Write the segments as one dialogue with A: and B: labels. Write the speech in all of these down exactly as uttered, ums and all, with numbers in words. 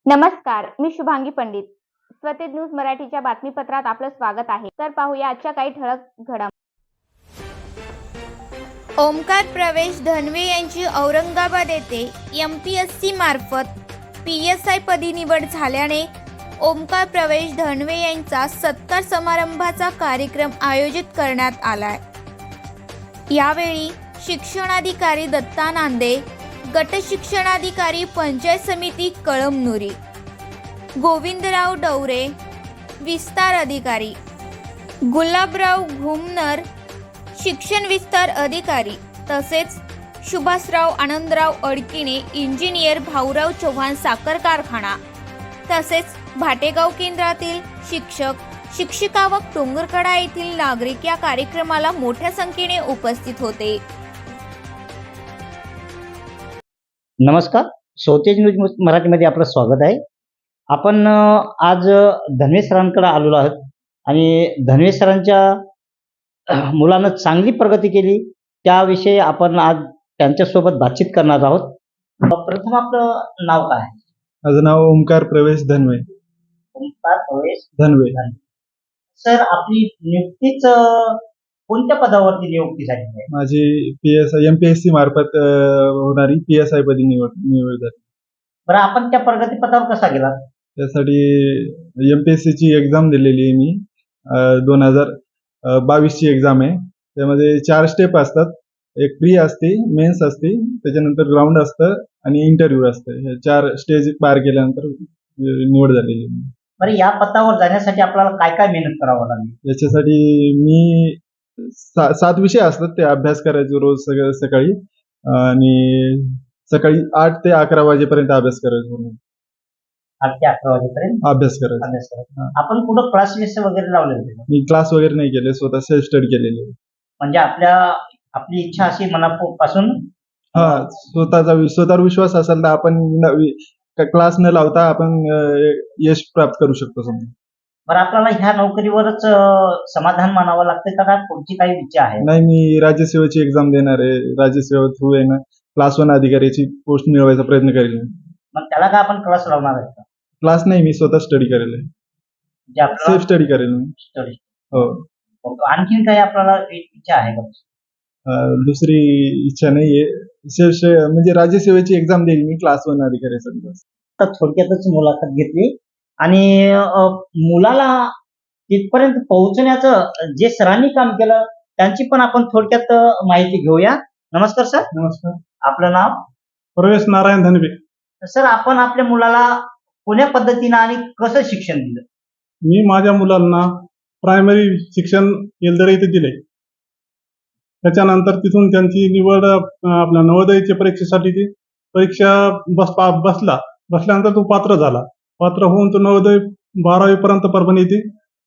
A: नमस्कार, मी शुभांगी पंडित. स्वतेज न्यूज मराठीच्या बातमीपत्रात आपलं स्वागत आहे. तर पाहूया आजच्या काही ठळक घडामोडी.
B: ओमकार प्रवेश धनवे यांची औरंगाबाद येथे एम पी एस सी मार्फत पी एस आय पदी निवड झाल्याने ओमकार प्रवेश धनवे यांचा सत्कार समारंभाचा कार्यक्रम आयोजित करण्यात आलाय. यावेळी शिक्षणाधिकारी दत्ता नांदे, गट शिक्षणाधिकारी पंचायत समिती कळमनुरी, गोविंदराव डवरे, विस्तार अधिकारी गुलाबराव घुमनर, शिक्षण विस्तार अधिकारी तसेच सुभाषराव आनंदराव अडकिणे, इंजिनियर भाऊराव चव्हाण साखर कारखाना तसेच भाटेगाव केंद्रातील शिक्षक शिक्षिका व डोंगरकडा येथील नागरिक या कार्यक्रमाला मोठ्या संख्येने उपस्थित होते.
C: नमस्कार, स्वतेज न्यूज मराठीमध्ये आपलं स्वागत आहे. आपण आज धनवे सरांकडे आलेलो आहोत आणि धनवे सरांच्या मुलानं चांगली प्रगती केली त्याविषयी आपण आज त्यांच्यासोबत बातचीत करणार आहोत. प्रथम आपलं नाव काय आहे?
D: माझं नाव ओमकार प्रवेश धनवे.
C: ओमकार प्रवेश
D: धनवे.
C: सर, आपली नियुक्तीच कोणत्या पदावरती नियुक्ती झाली आहे?
D: माझी P S I M P S C मार्फत होणारी पी एस आय पदी निवड निवड झाली.
C: बरं, आपण त्या प्रगती पदावर कसा गेला?
D: त्यासाठी एम पी एस सी ची एक्झाम दिलेली आहे मी. दोन हजार बावीस ची एक्झाम आहे. त्यामध्ये चार स्टेप असतात. एक प्री असते, मेन्स असते, त्याच्यानंतर ग्राउंड असतं आणि इंटरव्ह्यू असतं. हे चार स्टेज पार केल्यानंतर निवड झालेली आहे.
C: बरं, या पदावर जाण्यासाठी आपल्याला काय काय मेहनत करावं लागली?
D: याच्यासाठी मी सा, सात विषय असतात, ते अभ्यास करायचे रोज सगळं सकाळी आणि सकाळी आठ ते अकरा वाजेपर्यंत अभ्यास करायचो.
C: आठ ते अकरा वाजेपर्यंत
D: अभ्यास करायचा.
C: अभ्यास करायचा. आपण कुठं क्लासेस वगैरे लावले होते?
D: मी क्लास वगैरे नाही केले, स्वतः सेल्फ स्टडी केलेले.
C: म्हणजे आपल्या आपली इच्छा अशी मनापासून
D: हा, स्वतःचा स्वतःवर विश्वास असेल तर आपण क्लास न लावता आपण यश प्राप्त करू शकतो. समजा
C: बरं, आपल्याला ह्या नोकरीवरच समाधान मानावं लागतं का पुढची काही इच्छा आहे?
D: नाही, मी राज्यसेवेची एक्झाम देणार आहे. राज्यसेवा थ्रू आहे ना, क्लास वन अधिकाऱ्याची पोस्ट मिळवायचा प्रयत्न करेल.
C: मग त्याला का आपण क्लास लावणार आहे का?
D: क्लास नाही, मी स्वतः स्टडी करेल. सेल्फ स्टडी करेल मी.
C: स्टडी.
D: हो.
C: आणखीन काही आपल्याला इच्छा आहे का?
D: दुसरी इच्छा नाहीये. सेल्फ म्हणजे राज्यसेवेची एक्झाम देईल मी क्लास वन अधिकाऱ्यासाठी.
C: तर थोडक्यातच मुलाखत घेतली आणि मुलाला तिथपर्यंत पोहोचण्याचं जे सरांनी काम केलं त्यांची पण आपण थोडक्यात माहिती घेऊया. नमस्कार सर.
D: नमस्कार.
C: आपलं नाव?
D: प्रवेश नारायण धनवे.
C: सर, आपण आपल्या मुलाला कोण्या पद्धतीनं आणि कसं शिक्षण दिलं?
D: मी माझ्या मुलांना प्रायमरी शिक्षण येलदरे इथे दिले. त्याच्यानंतर तिथून त्यांची निवड आपल्या नवोदयच्या परीक्षेसाठी ती परीक्षा बस बसला बसल्यानंतर तो पात्र झाला. पात्र होऊन तो नवोदय बारावी पर्यंत परभणी येथे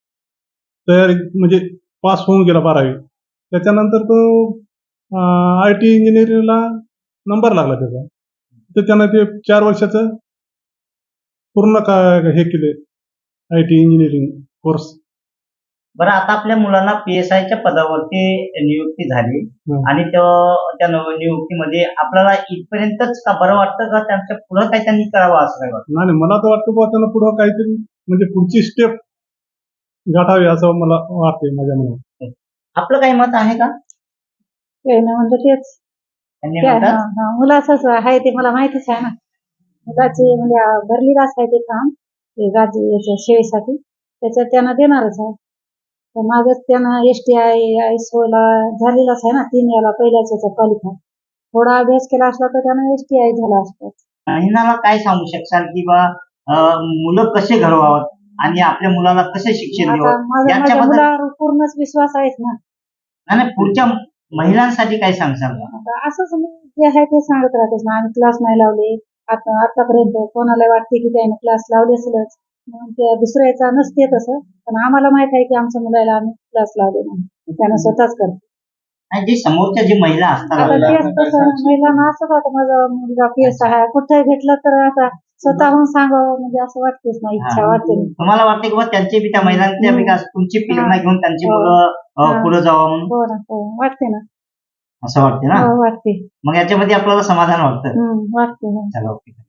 D: तयारी म्हणजे पास होऊन गेला बारावी. त्याच्यानंतर तो आय टी इंजिनिअरिंगला नंबर लागला त्याचा. तर त्यानं ते चार वर्षाचं पूर्ण का हे केले आय टी इंजिनिअरिंग कोर्स.
C: बरं, आता आपल्या मुलांना पी एस आयच्या पदावरती नियुक्ती झाली आणि त्या नियुक्तीमध्ये आपल्याला इथपर्यंतच का बरं वाटतं का त्यांच्या पुढे काही त्यांनी करावं असं काय वाटतं?
D: नाही, मला तर वाटतं बुवा त्यांना पुढं काहीतरी म्हणजे पुढची स्टेप गाठावी असं मला वाटते माझ्या मनात.
C: आपलं काही मत आहे का?
E: म्हणतो तेच मुलाच आहे ते मला माहितीच आहे ना. मुलाचे म्हणजे भरलेलाच आहे ते काम राज्य याच्या सेवेसाठी, त्याच्यात त्यांना देणारच आहे. मागच त्यानं एस टी आय एस ला झालेलाच आहे ना, तीन याला पहिल्याच याचा क्वालिफाय. थोडा अभ्यास केला असला तर त्यानं एस टी आय झाला असता.
C: महिलाला काय सांगू शकसाल की बा मुलं कसे घडवावं आणि आपल्या मुलाला कसे शिक्षण द्यावं?
E: माझ्या मुलावर पूर्णच विश्वास आहेच ना.
C: आणि पुढच्या महिलांसाठी काय सांगसाल?
E: असंच मी जे आहे ते सांगत राहतेस ना. आम्ही क्लास नाही लावले आता आतापर्यंत. कोणाला वाटते की त्याने क्लास लावले असेलच, त्या दुसऱ्याचा नसते तसं. पण आम्हाला माहित आहे की आमच्या मुलाला आम्ही क्लास लावले नाही, त्यानं स्वतःच करतो.
C: आणि जे समोरच्या जी महिला असतात
E: महिलांना असं वाटतं माझा मुलगा पी एस आहे कुठेही भेटलं तर आता स्वतःहून सांगावं म्हणजे असं वाटतेच ना, इच्छा वाटते.
C: तुम्हाला वाटते की त्यांची बी त्या महिलांच्या विकास तुमची प्रेरणा घेऊन त्यांची मुलं पुढे जावं म्हणून?
E: वाटते ना,
C: असं वाटते ना.
E: वाटते.
C: मग याच्यामध्ये आपल्याला समाधान वाटतं.
E: वाटते.
C: चला, ओके.